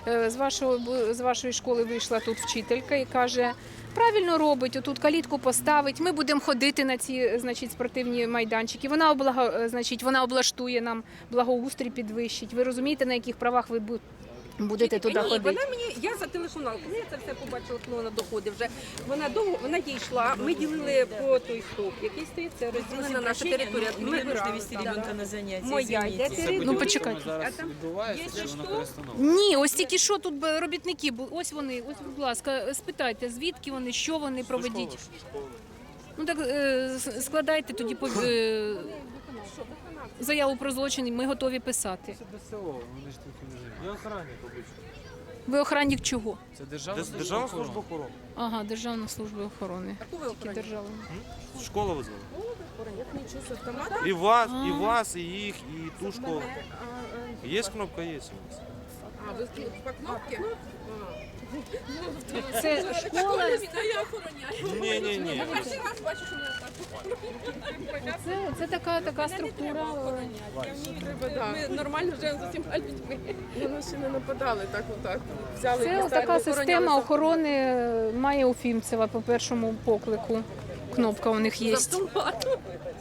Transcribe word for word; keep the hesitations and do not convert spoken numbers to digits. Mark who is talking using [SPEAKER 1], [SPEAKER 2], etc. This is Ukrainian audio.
[SPEAKER 1] Е, З вашого з вашої школи вийшла тут вчителька і каже: правильно робить, отут калітку поставить. Ми будемо ходити на ці, значить, спортивні майданчики. Вона облага, значить, вона облаштує нам благоустрій, підвищить. Ви розумієте, на яких правах ви бу- будете туди
[SPEAKER 2] Ні,
[SPEAKER 1] ходити?
[SPEAKER 2] вона мені, я зателефонувала, коли я це все побачила, коли вона доходить вже. Вона довго, вона дійшла, ми ділили по той стовп, який стоїть, це розділена наша територія.
[SPEAKER 3] Мне
[SPEAKER 2] Ми
[SPEAKER 3] нужно
[SPEAKER 2] вибирали,
[SPEAKER 3] вести
[SPEAKER 2] да.
[SPEAKER 3] ребенка на занятия,
[SPEAKER 2] Моя йде
[SPEAKER 3] извините.
[SPEAKER 2] територія.
[SPEAKER 1] Ну, почекайте.
[SPEAKER 2] А там, якщо що,
[SPEAKER 1] Ні, ось тільки що тут би робітники були. Ось вони, ось, будь ласка, спитайте, звідки вони, що вони проведіть. Ну так е, с- складайте тоді по, е, заяву про злочин, ми готові писати.
[SPEAKER 4] Це ДСО, вони ж тут не живуть. Я охранник обично.
[SPEAKER 1] Ви охранник чого?
[SPEAKER 4] Це державна
[SPEAKER 5] Дес- Державна служба охорони.
[SPEAKER 1] Ага, Державна служба охорони.
[SPEAKER 2] а кого ви
[SPEAKER 1] Тільки
[SPEAKER 2] охороняєте?
[SPEAKER 1] державна.
[SPEAKER 5] Школа визвала.
[SPEAKER 2] Як нічого з автомата?
[SPEAKER 5] І вас, і вас, і їх, і ту школу.
[SPEAKER 2] Мене, а,
[SPEAKER 5] Є кнопка, є у вас.
[SPEAKER 2] а, ви тут по кнопці?
[SPEAKER 1] Це школа,
[SPEAKER 5] Ні, ні, ні.
[SPEAKER 2] Перший раз бачу, що мене так.
[SPEAKER 1] це, це така, така структура.
[SPEAKER 2] Ми нормально живемо з усіма людьми.
[SPEAKER 6] Вони ще не нападали так отак. Взяли
[SPEAKER 1] Це
[SPEAKER 6] і
[SPEAKER 1] така
[SPEAKER 6] поставили,
[SPEAKER 1] система
[SPEAKER 6] охороняли.
[SPEAKER 1] охорони має у Фімцева по першому поклику. Кнопка у них є.
[SPEAKER 2] З автоматом.